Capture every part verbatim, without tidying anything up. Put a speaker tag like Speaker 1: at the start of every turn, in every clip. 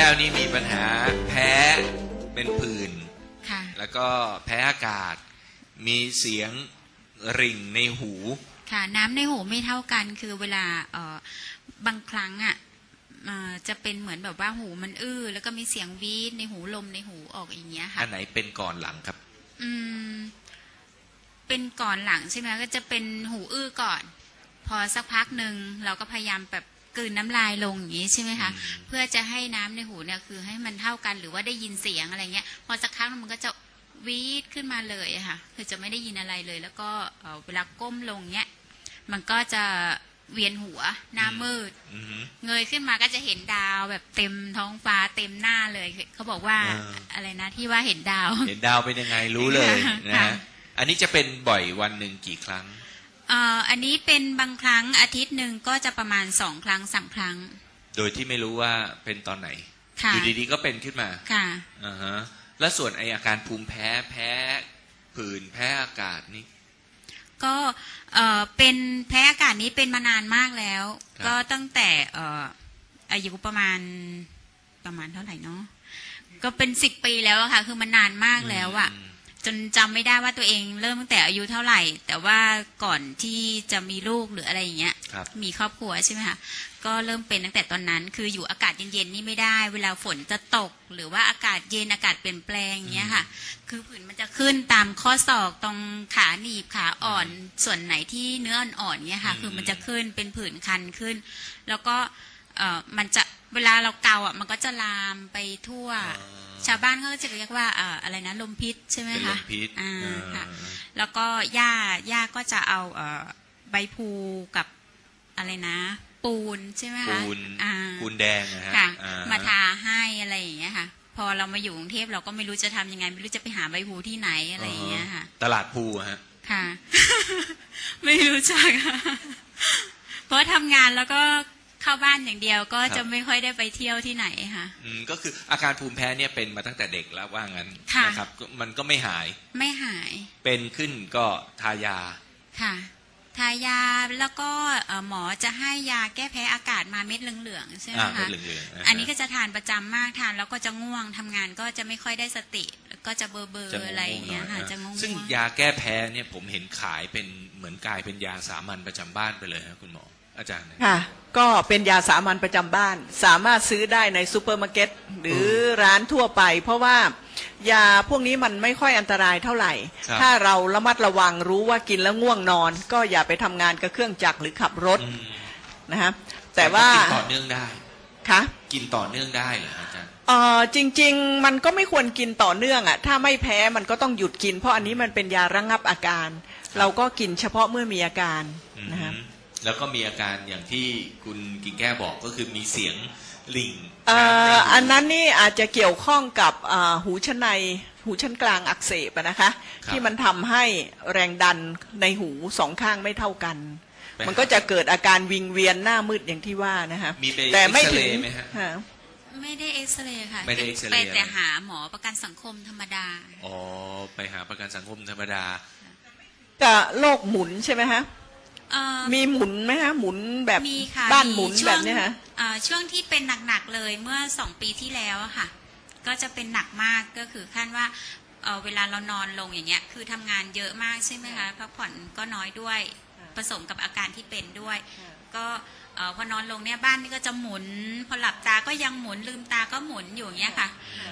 Speaker 1: ก้วนี่มีปัญหาแพ้เป็นผื่นแล้วก็แพ้อากาศมีเสียงริ่งในหู
Speaker 2: ค่ะน้ำในหูไม่เท่ากันคือเวลาเอ่อบางครั้งอ่ะจะเป็นเหมือนแบบว่าหูมันอื้อแล้วก็มีเสียงวีดในหูลมในหูออกอย่างเงี้ยค่ะ
Speaker 1: อันไหนเป็นก่อนหลังครับ
Speaker 2: อืมเป็นก่อนหลังใช่ไหมก็จะเป็นหูอื้อก่อนพอสักพักหนึ่งเราก็พยายามแบบกลืนน้ำลายลงอย่างนี้ใช่ไหมคะเพื่อจะให้น้ำในหูเนี่ยคือให้มันเท่ากันหรือว่าได้ยินเสียงอะไรเงี้ยพอสักครั้งมันก็จะวีดขึ้นมาเลยค่ะคือจะไม่ได้ยินอะไรเลยแล้วก็เวลาก้มลงเนี้ยมันก็จะเวียนหัวหน้ามืดเงยขึ้นมาก็จะเห็นดาวแบบเต็มท้องฟ้าเต็มหน้าเลยเขาบอกว่าอะไรนะที่ว่าเห็นดาว
Speaker 1: เห็นดาวเป็นยังไงรู้เลยนะฮะอันนี้จะเป็นบ่อยวันหนึ่งกี่ครั้ง
Speaker 2: อันนี้เป็นบางครั้งอาทิตย์หนึ่งก็จะประมาณสองครั้งสามครั้ง
Speaker 1: โดยที่ไม่รู้ว่าเป็นตอนไหนอยู่ดีๆก็เป็นขึ้นมา
Speaker 2: ค่ะ
Speaker 1: อ่าฮะแล้วส่วนไออาการภูมิแพ้แพ้ผื่นแพ้อากาศนี่
Speaker 2: ก็เอ่อเป็นแพ้อากาศนี้เป็นมานานมากแล้วก็ตั้งแต่เอ่ออายุประมาณประมาณเท่าไหร่เนาะก็เป็นสิบปีแล้วค่ะคือมันนานมากแล้วอะจนจำไม่ได้ว่าตัวเองเริ่มตั้งแต่อายุเท่าไหร่แต่ว่าก่อนที่จะมีลูกหรืออะไรอย่างเงี้ยมีครอบครัวใช่ไหมคะก็เริ่มเป็นตั้งแต่ตอนนั้นคืออยู่อากาศเย็นๆนี่ไม่ได้เวลาฝนจะตกหรือว่าอากาศเย็นอากาศเปลี่ยนแปลงอย่างเงี้ยค่ะคือผื่นมันจะขึ้นตามข้อศอกตรงขาหนีบขาอ่อนส่วนไหนที่เนื้ออ่อนๆเงี้ยค่ะคือมันจะขึ้นเป็นผื่นคันขึ้นแล้วก็เอ่อมันจะเวลาเราเกาอ่ะมันก็จะลามไปทั่วชาวบ้านเขาก็จะเรียกว่าอ่าอะไรนะลมพิษใช่ไหมคะ
Speaker 1: ลมพิษ
Speaker 2: อ่าค่ะแล้วก็ย่าย่าก็จะเอาเอ่อใบพลูกับอะไรนะปูนใช่ไหมคะ
Speaker 1: ปูนปูนแดงนะฮะ
Speaker 2: มาทาให้อะไรอย่างเงี้ยค่ะพอเรามาอยู่กรุงเทพเราก็ไม่รู้จะทำยังไงไม่รู้จะไปหาใบพลูที่ไหนอะไรอย่างเงี้ยค่ะ
Speaker 1: ตลาดพลูฮะ
Speaker 2: ค่ะ ไม่รู้จักเพราะทำงานแล้วก็เข้าบ้านอย่างเดียวก็จะไม่ค่อยได้ไปเที่ยวที่ไหนค่ะ
Speaker 1: อืมก็คืออาการภูมิแพ้เนี่ยเป็นมาตั้งแต่เด็กแล้วว่างั้นนะครับมันก็ไม่หาย
Speaker 2: ไม่หาย
Speaker 1: เป็นขึ้นก็ทายา
Speaker 2: ค่ะทายาแล้วก็หมอจะให้ยาแก้แพ้อากาศมาเม็ดเหลืองๆใช่ไหมคะอันนี้ก็จะทานประจำมากทานแล้วก็จะง่วงทำงานก็จะไม่ค่อยได้สติก็จะเบอร์เบอร์อะไรอย่างเงี้ยค่ะจะง่วง
Speaker 1: ซึ่งยาแก้แพ้เนี่ยผมเห็นขายเป็นเหมือนกลายเป็นยาสามัญประจำบ้านไปเลยครับคุณหมออาจารย์
Speaker 3: ค่ะก็เป็นยาสามัญประจำบ้านสามารถซื้อได้ในซูเปอร์มาร์เก็ตหรือร้านทั่วไปเพราะว่ายาพวกนี้มันไม่ค่อยอันตรายเท่าไหร่ถ้าเราระมัดระวังรู้ว่ากินแล้วง่วงนอนก็อย่าไปทำงานกับเครื่องจักรหรือขับรถนะฮะแต่ว่า
Speaker 1: กินต่อเนื่องได้
Speaker 3: ค่ะ
Speaker 1: กินต่อเนื่องได้เหรออาจารย์
Speaker 3: เออจริงๆมันก็ไม่ควรกินต่อเนื่องอ่ะถ้าไม่แพ้มันก็ต้องหยุดกินเพราะอันนี้มันเป็นยาระงับอาการเราก็กินเฉพาะเมื่อมีอาการนะฮะ
Speaker 1: แล้วก็มีอาการอย่างที่คุณกิ่งแก้วบอกก็คือมีเสียงริ่ง
Speaker 3: อันนั้นนี่อาจจะเกี่ยวข้องกับหูชั้นในหูชั้นกลางอักเสบนะคะที่มันทำให้แรงดันในหูสองข้างไม่เท่ากันมันก็จะเกิดอาการวิงเวียนหน้ามืดอย่างที่ว่านะคะ
Speaker 1: แต่ไม่ถึง
Speaker 2: ไม่ได้เอ็กซเรย์ค่ะ
Speaker 1: ไม่ได้เอ็กซเรย์
Speaker 2: ไปแต่หาหมอประกันสังคมธรรมดา
Speaker 1: อ๋อไปหาประกันสังคมธรรมดา
Speaker 3: กับโรคหมุนใช่ไหมฮะมีหมุนไหมฮะหมุนแบบบ้านหมุนแบบนี้ฮะ
Speaker 2: ช่วงที่เป็นหนักๆเลยเมื่อสองปีที่แล้วค่ะก็จะเป็นหนักมากก็คือขั้นว่าเ, เวลาเรานอนลงอย่างเงี้ยคือทำงานเยอะมากใช่ไหมคะพักผ่อนก็น้อยด้วยผสมกับอาการที่เป็นด้วยก็พอนอนลงเนี่ยบ้านนี่ก็จะหมุนพอหลับตาก็ยังหมุนลืมตาก็หมุนอยู่อย่างเงี้ยค่ะ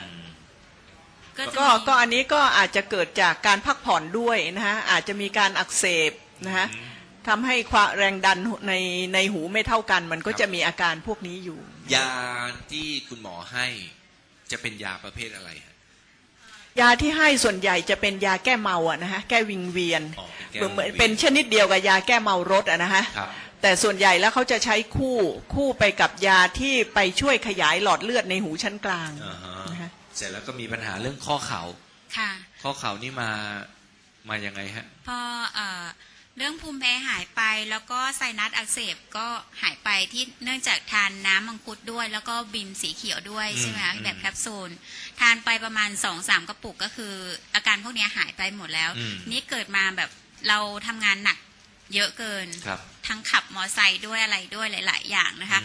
Speaker 3: ก็ก็อันนี้ก็อาจจะเกิดจากการพักผ่อนด้วยนะฮะอาจจะมีการอักเสบนะฮะทำให้ความแรงดันในในหูไม่เท่ากันมันก็จะมีอาการพวกนี้อยู่
Speaker 1: ยาที่คุณหมอให้จะเป็นยาประเภทอะไร
Speaker 3: ยาที่ให้ส่วนใหญ่จะเป็นยาแก้เมาอะนะฮะแก้วิงเวียนเหมือนเป็นชนิดเดียวกับยาแก้เมารถอะนะฮะแต่ส่วนใหญ่แล้วเขาจะใช้คู่คู่ไปกับยาที่ไปช่วยขยายหลอดเลือดในหูชั้นกลาง
Speaker 1: นะฮะเสร็จแล้วก็มีปัญหาเรื่องข้อเข่า
Speaker 2: ค่ะ
Speaker 1: ข้อเข่านี่มามายังไงฮะ
Speaker 2: พอเอ่อเรื่องภูมิแพ้หายไปแล้วก็ไซนัสอักเสบก็หายไปที่เนื่องจากทานน้ำมังคุดด้วยแล้วก็บิมสีเขียวด้วยใช่ไหมคะแบบแคปซูลทานไปประมาณ สองสาม กระปุกก็คืออาการพวกนี้หายไปหมดแล้วนี่เกิดมาแบบเราทำงานหนักเยอะเกินทั้งขับมอไซค์ด้วยอะไรด้วยหลายๆอย่างนะคะ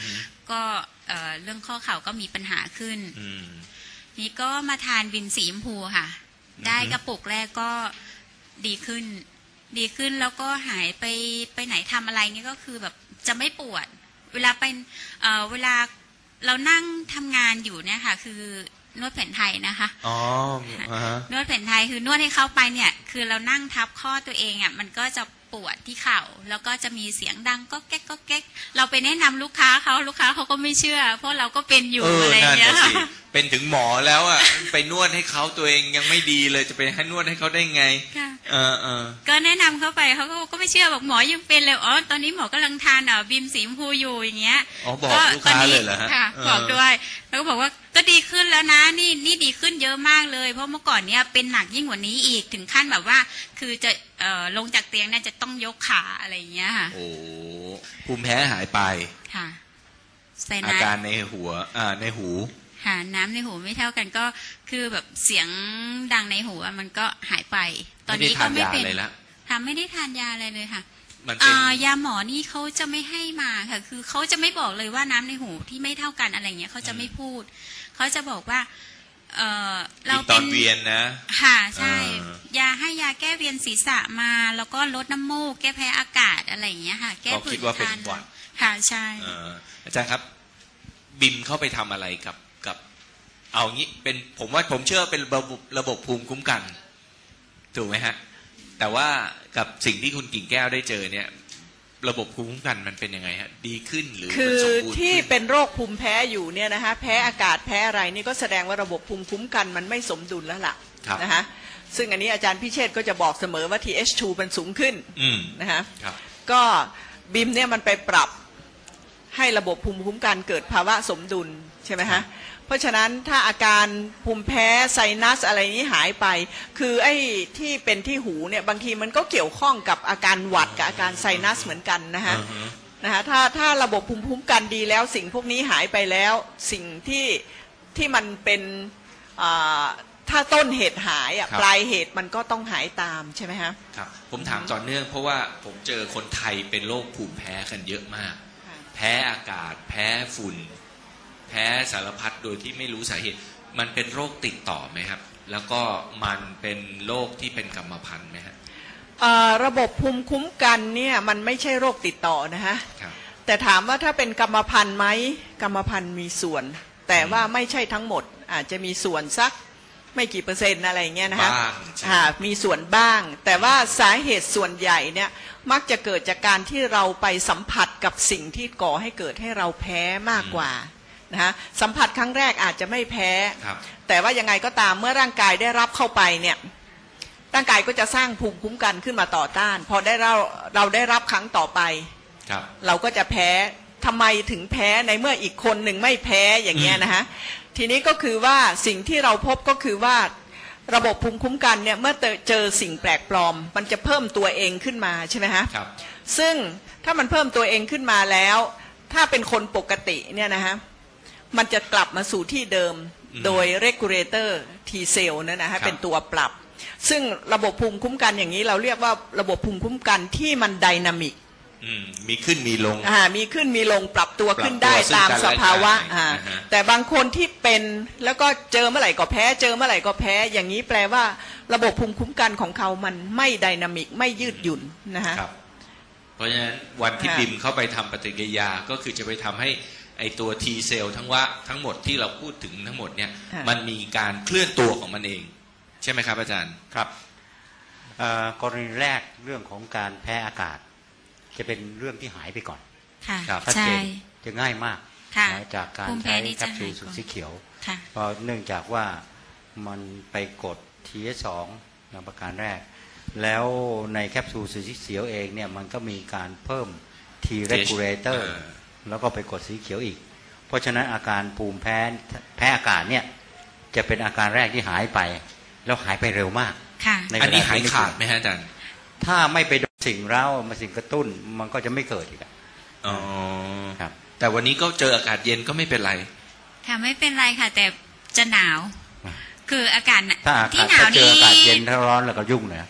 Speaker 2: ก็เอ่อเรื่องข้อเข่าก็มีปัญหาขึ้นนี่ก็มาทานวินสีชมพูค่ะได้กระปุกแรกก็ดีขึ้นดีขึ้นแล้วก็หายไปไปไหนทำอะไรนี่ก็คือแบบจะไม่ปวดเวลาเป็นเอ่อเวลาเรานั่งทำงานอยู่เนี่ยค่ะคือนวดแผนไทยนะคะอ๋อนวดแผนไทยคือนวดให้เข้าไปเนี่ยคือเรานั่งทับข้อตัวเองอ่ะมันก็จะปวดที่เข่าแล้วก็จะมีเสียงดังก็แก๊กก็แก๊กเราไปแนะนำลูกค้าเขาลูกค้าเขาก็ไม่เชื่อเพราะเราก็เป็นอยู่อะไรอย่างเงี้ย
Speaker 1: เป็นถึงหมอแล้วอ่ะไปนวดให้เขาตัวเองยังไม่ดีเลยจะไปให้นวดให้เขาได้ไงเออเออก็
Speaker 2: แนะนำเขาไปเขาก็ไม่เชื่อบอกหมอยังเป็นเลยอ๋อตอนนี้หมอกำลังทานอ่ะบิมสีชมพูอยู่อย่างเงี้ย
Speaker 1: อ๋อบอกลูกค้าเลยเหรอฮะ
Speaker 2: บอกด้วยแล้วก็บอกว่าก็ดีขึ้นแล้วนะนี่นี่ดีขึ้นเยอะมากเลยเพราะเมื่อก่อนเนี้ยเป็นหนักยิ่งกว่านี้อีกถึงขั้นแบบว่าคือจะเอ่อลงจากเตียงเนี่ยจะต้องยกขาอะไรอย่างเงี้ยค่ะ
Speaker 1: โอ้ภูมิแพ้หายไป
Speaker 2: ค่ะ
Speaker 1: อาการในหัวอ่าในหู
Speaker 2: ค่ะน้ำในหูไม่เท่ากันก็คือแบบเสียงดังในหูมันก็หายไปตอนนี้ก็ไม่เป็นทำไม่ได้ทานยาอะไรเลยค่ะยาหมอนี่เขาจะไม่ให้มาค่ะคือเขาจะไม่บอกเลยว่าน้ำในหูที่ไม่เท่ากันอะไรเงี้ยเขาจะไม่พูดเขาจะบอกว่าเออเรา
Speaker 1: เป็นเวียนนะ
Speaker 2: ค่ะใช่ยาให้ยาแก้เวียนศีรษะมาแล้วก็ลดน้ำมูกแก้แพ้อากาศอะไรอย่างเงี้ยค่ะแก้
Speaker 1: ผื่นคัน
Speaker 2: ค่ะใช่
Speaker 1: อาจารย์ครับบิมเข้าไปทำอะไรกับกับเอางี้เป็นผมว่าผมเชื่อเป็นระบบระบบภูมิคุ้มกันถูกไหมฮะแต่ว่ากับสิ่งที่คุณกิ่งแก้วได้เจอเนี่ยระบบภูมิคุ้มกันมันเป็นยังไงฮะดีขึ้นหรือ
Speaker 3: คือที่เป็นโรคภูมิแพ้อยู่เนี่ยนะคะแพ้อากาศแพ้อะไรนี่ก็แสดงว่าระบบภูมิคุ้มกันมันไม่สมดุลแล้วล่ะนะคะซึ่งอันนี้อาจารย์พิเชษก็จะบอกเสมอว่า ที เอช ทู มันสูงขึ้นนะคะก็บิมเนี่ยมันไปปรับให้ระบบภูมิคุ้มกันเกิดภาวะสมดุลใช่ไหมฮะเพราะฉะนั้นถ้าอาการภูมิแพ้ไซนัสอะไรนี้หายไปคือไอ้ที่เป็นที่หูเนี่ยบางทีมันก็เกี่ยวข้องกับอาการหวัดกับอาการไซนัสเหมือนกันนะฮะนะฮะถ้าถ้าระบบภูมิคุ้มกันดีแล้วสิ่งพวกนี้หายไปแล้วสิ่งที่ที่มันเป็นถ้าต้นเหตุหายอ่ะปลายเหตุมันก็ต้องหายตามใช่ไหมฮะ
Speaker 1: ครับผมถามต่อเนื่องเพราะว่าผมเจอคนไทยเป็นโรคภูมิแพ้กันเยอะมากแพ้อากาศแพ้ฝุ่นแพ้สารพัดโดยที่ไม่รู้สาเหตุมันเป็นโรคติดต่อไหมครับแล้วก็มันเป็นโรคที่เป็นกรรมพันธุ์ไหมครับ
Speaker 3: ระบบภูมิคุ้มกันเนี่ยมันไม่ใช่โรคติดต่อนะฮะแต่ถามว่าถ้าเป็นกรรมพันธุ์ไหมกรรมพันธุ์มีส่วนแต่ว่าไม่ใช่ทั้งหมดอาจจะมีส่วนสักไม่กี่เปอร์เซ็นต์อะไรเงี้ยนะคะมีส่วนบ้างแต่ว่าสาเหตุส่วนใหญ่เนี่ยมักจะเกิดจากการที่เราไปสัมผัสกับสิ่งที่ก่อให้เกิดให้เราแพ้มากกว่านะฮะสัมผัสครั้งแรกอาจจะไม่แพ้แต่ว่ายังไงก็ตามเมื่อร่างกายได้รับเข้าไปเนี่ยร่างกายก็จะสร้างภูมิคุ้มกันขึ้นมาต่อต้านพอได้เราเราได้รับครั้งต่อไปเราก็จะแพ้ทำไมถึงแพ้ในเมื่ออีกคนหนึ่งไม่แพ้อย่างเงี้ยนะฮะทีนี้ก็คือว่าสิ่งที่เราพบก็คือว่าระบบภูมิคุ้มกันเนี่ยเมื่อเจอสิ่งแปลกปลอมมันจะเพิ่มตัวเองขึ้นมาใช่ไหมฮะซึ่งถ้ามันเพิ่มตัวเองขึ้นมาแล้วถ้าเป็นคนปกติเนี่ยนะฮะมันจะกลับมาสู่ที่เดิมโดย regulator T cell นั่นนะฮะเป็นตัวปรับซึ่งระบบภูมิคุ้มกันอย่างนี้เราเรียกว่าระบบภูมิคุ้มกันที่มันไดนามิก
Speaker 1: มีขึ้นมีลง
Speaker 3: อ่ามีขึ้นมีลงปรับตัวขึ้นได้ตามสภาวะอ่าแต่บางคนที่เป็นแล้วก็เจอเมื่อไหร่ก็แพ้เจอเมื่อไหร่ก็แพ้อย่างนี้แปลว่าระบบภูมิคุ้มกันของเขามันไม่ไดนามิกไม่ยืดหยุ่นนะฮะ
Speaker 1: เพราะฉะนั้นวันที่บิมเข้าไปทำปฏิกิริยาก็คือจะไปทำให้ไอตัว T เซลล์ทั้งว่าทั้งหมดที่เราพูดถึงทั้งหมดเนี่ยมันมีการเคลื่อนตัวของมันเองใช่ไหมครับอาจารย์
Speaker 4: ครับกรณีแรกเรื่องของการแพ้อากาศจะเป็นเรื่องที่หายไปก่อน
Speaker 2: ชัดเจน
Speaker 4: จะง่ายมากจากการใช้แคปซูลสูตรสีเขียวเพราะเนื่องจากว่ามันไปกด ที เอช สอง ในประการแรกแล้วในแคปซูลสูตรสีเขียวเองเนี่ยมันก็มีการเพิ่ม T regulator แล้วก็ไปกดสีเขียวอีกเพราะฉะนั้นอาการภูมิแพ้แพ้อากาศเนี่ยจะเป็นอาการแรกที่หายไปแล้วหายไปเร็วมาก
Speaker 1: อันนี้หายขาดไหมฮะอาจารย์
Speaker 4: ถ้าไม่ไปโดนสิ่งเร้ามาสิ่งกระตุ้นมันก็จะไม่เกิดอีก
Speaker 1: อ๋อครับแต่วันนี้ก็เจออากาศเย็นก็ไม่เป็นไร
Speaker 2: ค่ะไม่เป็นไรค่ะแต่จะหนาวคืออากาศ
Speaker 4: ที่หนาวนี่อากาศเย็นถ้าร้อนแล้วก็ยุ่งเลย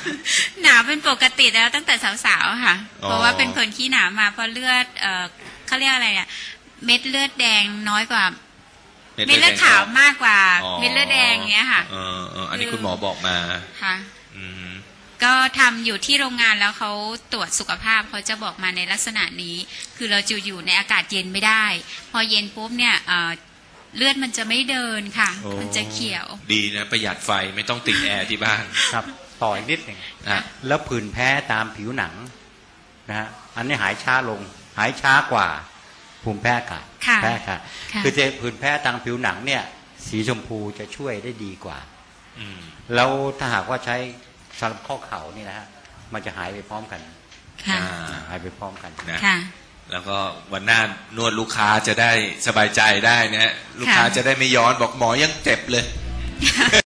Speaker 2: หนาวเป็นปกติแล้วตั้งแต่สาวๆค่ะเพราะว่าเป็นคนขี้หนาวมาเพราะเลือดเขาเรียกอะไรอ่ะเม็ดเลือดแดงน้อยกว่าเม็ดเลือดขาวมากกว่าเม็ดเลือดแดงเงี้ยค่ะ
Speaker 1: เออเอออันนี้คุณหมอบอกมา
Speaker 2: ค่ะ
Speaker 1: อืม
Speaker 2: ก็ทำอยู่ที่โรงงานแล้วเขาตรวจสุขภาพเขาจะบอกมาในลักษณะนี้คือเราจะอยู่ในอากาศเย็นไม่ได้พอเย็นปุ๊บเนี่ยเลือดมันจะไม่เดินค่ะมันจะเขียว
Speaker 1: ดีนะประหยัดไฟไม่ต้องติดแอร์ที่บ้าน
Speaker 4: ครับต่ออีกนิดหนึ่งแล้วผื่นแพ้ตามผิวหนังนะฮะอันนี้หายช้าลงหายช้ากว่าภูมิแพ้อากาศแพ้ค่ะคือจะผื่นแพ้ทางผิวหนังเนี่ยสีชมพูจะช่วยได้ดีกว่าแล้วถ้าหากว่าใช้สำหรับข้อเข่านี่นะฮะมันจะหายไปพร้อมกันหายไปพร้อมกัน
Speaker 1: นะแล้วก็วันหน้านวดลูกค้าจะได้สบายใจได้นะลูกค้าจะได้ไม่ย้อนบอกหมอยังเจ็บเลย